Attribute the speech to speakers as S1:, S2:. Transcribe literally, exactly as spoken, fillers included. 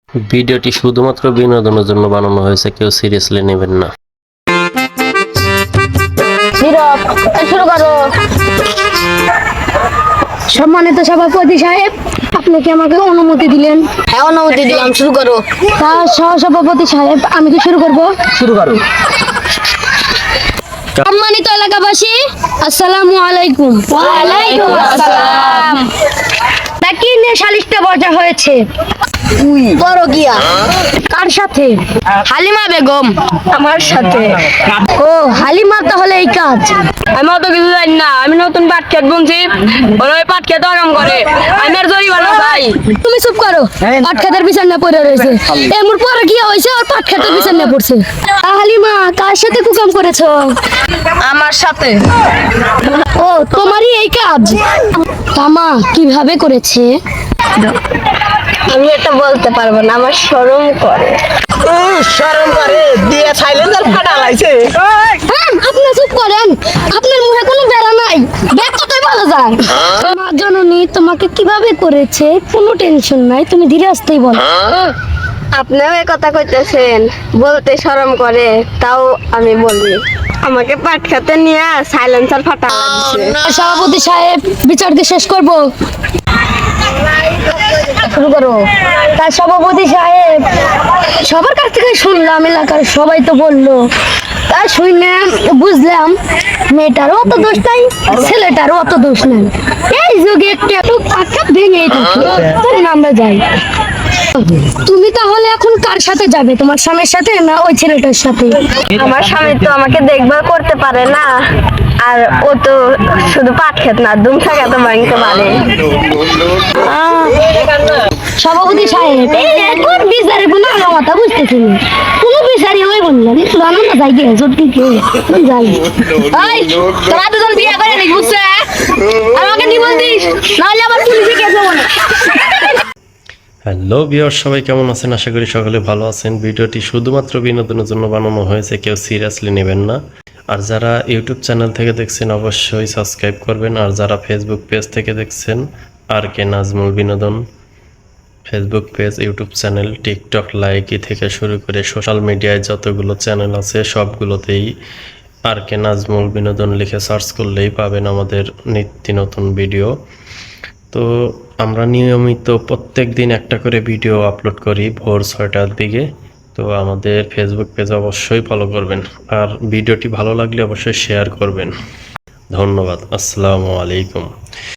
S1: ভিডিওটি শুধুমাত্র বিনোদনের জন্য বানানো হয়েছে, কেউ সিরিয়াসলি নেবেন না।
S2: নীরব, শুরু করো। সম্মানিত সভাপতি সাহেব, আপনি কি আমাকে অনুমতি দিলেন? হ্যাঁ, অনুমতি দিলাম, শুরু করো। তা সহসভাপতি সাহেব, আমি কি শুরু করব?
S1: শুরু করো।
S2: সম্মানিত এলাকাবাসী, আসসালামু আলাইকুম। ওয়ালাইকুম আসসালাম। তা কি নিয়ে সালিশটা বসা হয়েছে? বড় গিয়া। কার সাথে? হালিমা বেগম। আমার সাথে। ও, হালিমা তাহলে এই কাজ।
S3: আমি অত কিছু জানি না। আমি নতুন পাট খেত বুনছি, ওরা ওই পাট খেতে আরাম করে। আমি আর জরিমানা চাই।
S2: তুমি চুপ করো। পাট খেতের বিছানা পড়ে রয়েছে। এমন পরে কি হয়েছে? আর পাট খেতের বিছানা পড়ছে। তা হালিমা, কার সাথে কুকাম করেছো?
S3: আমার সাথে।
S2: ও, তোমারই এই কাজ? তামা কিভাবে করেছে?
S3: আমি এটা বলতে পারবো না, আমার শরম করে।
S4: শরম করে দিয়ে সাইলেন্সার ফাটা লাইছে।
S2: হ্যাঁ, আপনি চুপ করেন। আপনার মুখে কোনো বেড়া নাই। ব্যাগ কতই ভালো যায়। মা জননী তোমাকে কিভাবে করেছে কোনো টেনশন নাই, তুমি ধীরে আসতেই বলো।
S3: আপনিও এ কথা কইতেছেন, বলতে শরম করে, তাও আমি বলি। আমাকে পাট খেতে নিয়ে সাইলেন্সার ফাটা লাগছে।
S2: সভাপতি সাহেব, বিচারকে শেষ করব। শুরু করো। তার সভাপতি সাহেব, সবার কাছ থেকে শুনলাম, এলাকার সবাই তো বললো, তা শুনে বুঝলাম মেয়েটারও অত দোষ নাই, ছেলেটারও অত দোষ নাই। এই যুগে একটু একটু আটকা ভেঙেই থাকে। চলুন আমরা যাই। তুমি তাহলে এখন কার সাথে যাবে? তোমার স্বামীর সাথে না ওই ছেলেটার সাথে?
S3: আমার স্বামী তো আমাকে দেখভাল করতে পারে না, আর ও তো শুধু পাট খেত না, দুমসা খেতে ভাঙতে পারে।
S2: সভাপতি সাহেব, এই এখন বিচারে কোনো কথা বুঝতেছি না। কোনো বিচারই হয়ে বললেন জানো না, যাই গিয়ে সত্যি কে যাই। এই, তোরা দুজন বিয়ে করে নিস, বুঝছে? আমাকে নিবল দিস, নাহলে আবার পুলিশে কেস হবো না।
S1: হ্যালো ভিউয়ার, সবাই কেমন আছেন? আশা করি সকলে ভালো আছেন। ভিডিওটি শুধুমাত্র বিনোদনের জন্য বানানো হয়েছে, কেউ সিরিয়াসলি নেবেন না। আর যারা ইউটিউব চ্যানেল থেকে দেখছেন অবশ্যই সাবস্ক্রাইব করবেন। আর যারা ফেসবুক পেজ থেকে দেখছেন, আর কে নাজমুল বিনোদন Facebook page, YouTube channel, TikTok, Likee থেকে শুরু করে সোশ্যাল মিডিয়ায় যতগুলো চ্যানেল আছে সবগুলোতেই আর কে নাজমুল বিনোদন লিখে সার্চ করলেই পাবেন আমাদের নিত্য নতুন ভিডিও। তো আমরা নিয়মিত প্রত্যেক দিন একটা করে ভিডিও আপলোড করি ভোর ছয়টার দিকে। তো আমাদের ফেসবুক পেজ অবশ্যই ফলো করবেন, আর ভিডিওটি ভালো লাগলে অবশ্যই শেয়ার করবেন। ধন্যবাদ। আসসালামু আলাইকুম।